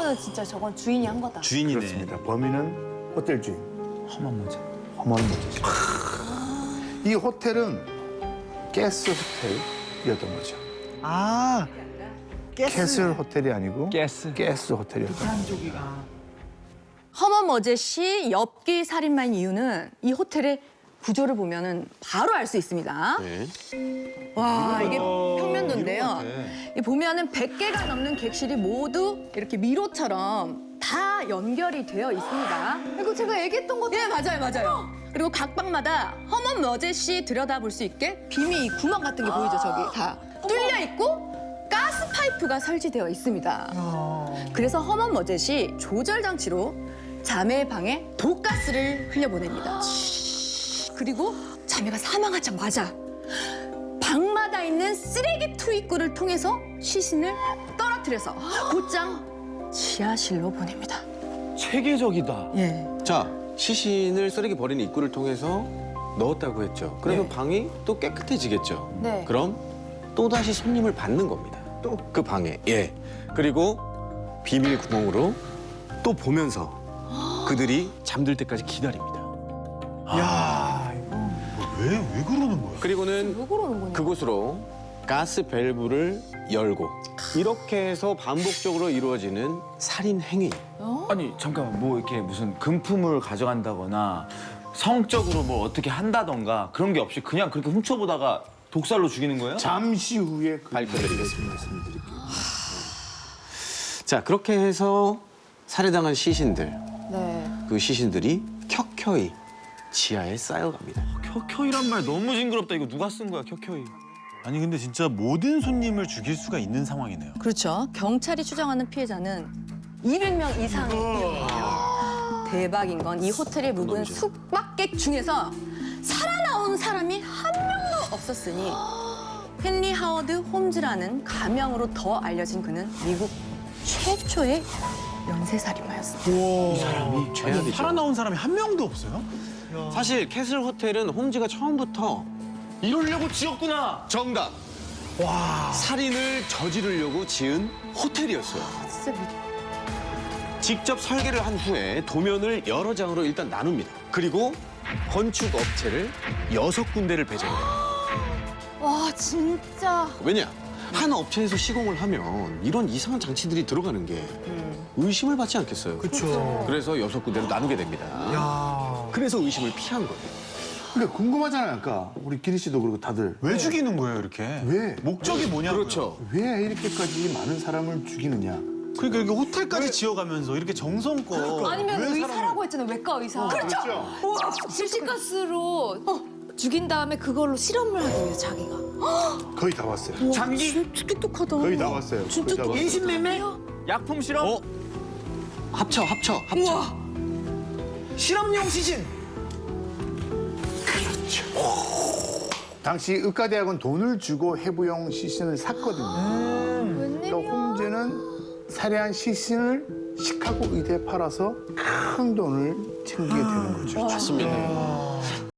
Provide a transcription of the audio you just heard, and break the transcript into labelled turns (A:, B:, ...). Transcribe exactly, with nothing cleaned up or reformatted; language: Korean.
A: 그러면 진짜 저건 주인이 한 거다.
B: 주인이네.
C: 그렇습니다. 범인은 호텔 주인.
B: 험한 모자.
C: 험한 모자죠. 이 호텔은 가스 호텔이었던 거죠.
B: 아,
C: 캐슬 호텔이 아니고
B: 가스.
C: 가스 호텔이었던 거죠.
A: 허먼 머제 씨 엽기 살인마인 이유는 이 호텔의 구조를 보면은 바로 알 수 있습니다.
D: 네.
A: 와, 이게 평면도인데요. 이 보면은 백 개가 넘는 객실이 모두 이렇게 미로처럼 다 연결이 되어 있습니다. 이거 제가 얘기했던 거. 네, 맞아요, 맞아요. 그리고 각 방마다 허먼 머제 씨 들여다볼 수 있게 비밀 구멍 같은 게 보이죠, 저기 다 뚫려 있고 가스 파이프가 설치되어 있습니다. 그래서 허먼 머제 씨 조절 장치로 자매의 방에 독가스를 흘려보냅니다. 그리고 자매가 사망하자마자 방마다 있는 쓰레기 투입구를 통해서 시신을 떨어뜨려서 곧장 지하실로 보냅니다.
B: 체계적이다.
A: 예.
D: 자, 시신을 쓰레기 버리는 입구를 통해서 넣었다고 했죠. 그러면
B: 네.
D: 방이 또 깨끗해지겠죠.
A: 네.
D: 그럼 또다시 손님을 받는 겁니다. 또 그 방에. 예. 그리고 비밀 구멍으로 또 보면서 그들이 잠들 때까지 기다립니다.
B: 야, 이거 왜, 왜 그러는 거야?
D: 그리고는
A: 왜 그러는 거냐?
D: 그곳으로 가스 밸브를 열고 이렇게 해서 반복적으로 이루어지는 살인 행위.
B: 아니, 잠깐만. 뭐 이렇게 무슨 금품을 가져간다거나 성적으로 뭐 어떻게 한다던가 그런 게 없이 그냥 그렇게 훔쳐보다가 독살로 죽이는 거예요?
C: 잠시 후에 그
D: 밝혀드리겠습니다. 자, 그렇게 해서 살해당한 시신들,
A: 네.
D: 그 시신들이 켜켜이 지하에 쌓여갑니다.
B: 켜켜이란 말 너무 징그럽다. 이거 누가 쓴 거야, 켜켜이.
E: 아니 근데 진짜 모든 손님을 죽일 수가 있는 상황이네요.
A: 그렇죠. 경찰이 추정하는 피해자는 이백 명 이상이에요. 대박인 건 이 호텔에 묵은 숙박객 중에서 살아나온 사람이 한 명도 없었으니 헨리 하워드 홈즈라는 가명으로 더 알려진 그는 미국 최초의 연쇄살인마였습니다.
D: 이 사람이 최악이죠.
E: 살아나온 사람이 한 명도 없어요?
D: 사실 캐슬 호텔은 홈즈가 처음부터
B: 이러려고 지었구나.
D: 정답! 와. 살인을 저지르려고 지은 호텔이었어요.
A: 진짜 미...
D: 직접 설계를 한 후에 도면을 여러 장으로 일단 나눕니다. 그리고 건축 업체를 여섯 군데를 배정해요.
A: 와, 진짜.
D: 왜냐? 한 업체에서 시공을 하면 이런 이상한 장치들이 들어가는 게 의심을 받지 않겠어요?
C: 그렇죠.
D: 그래서 여섯 군데로 나누게 됩니다. 그래서 의심을 피한 거예요.
C: 근데 궁금하잖아요. 아까 우리 기리 씨도 그리고 다들
E: 왜 죽이는 거예요 이렇게?
C: 왜?
E: 목적이 뭐냐고요?
D: 그렇죠.
C: 왜 이렇게까지 많은 사람을 죽이느냐?
E: 그러니까 이렇게 호텔까지 지어가면서 이렇게 정성껏
F: 아니면
E: 왜
F: 의사라고 했잖아요. 외과 의사.
C: 그렇죠.
F: 우와, 실시가스로 어, 죽인 다음에 그걸로 실험을 하기 위해 자기가.
C: 거의 다 왔어요.
B: 장기
F: 진짜 똑똑하다.
C: 거의 다 왔어요.
F: 진짜
C: 거의 다 왔어요.
B: 인신매매? 약품 실험?
D: 어? 합쳐, 합쳐, 합쳐.
F: 우와.
B: 실험용 시신.
C: 당시 의과대학은 돈을 주고 해부용 시신을 샀거든요. 그러니까 홈즈는 살해한 시신을 시카고 의대에 팔아서 큰 돈을 챙기게 되는 거죠.
D: 맞습니다.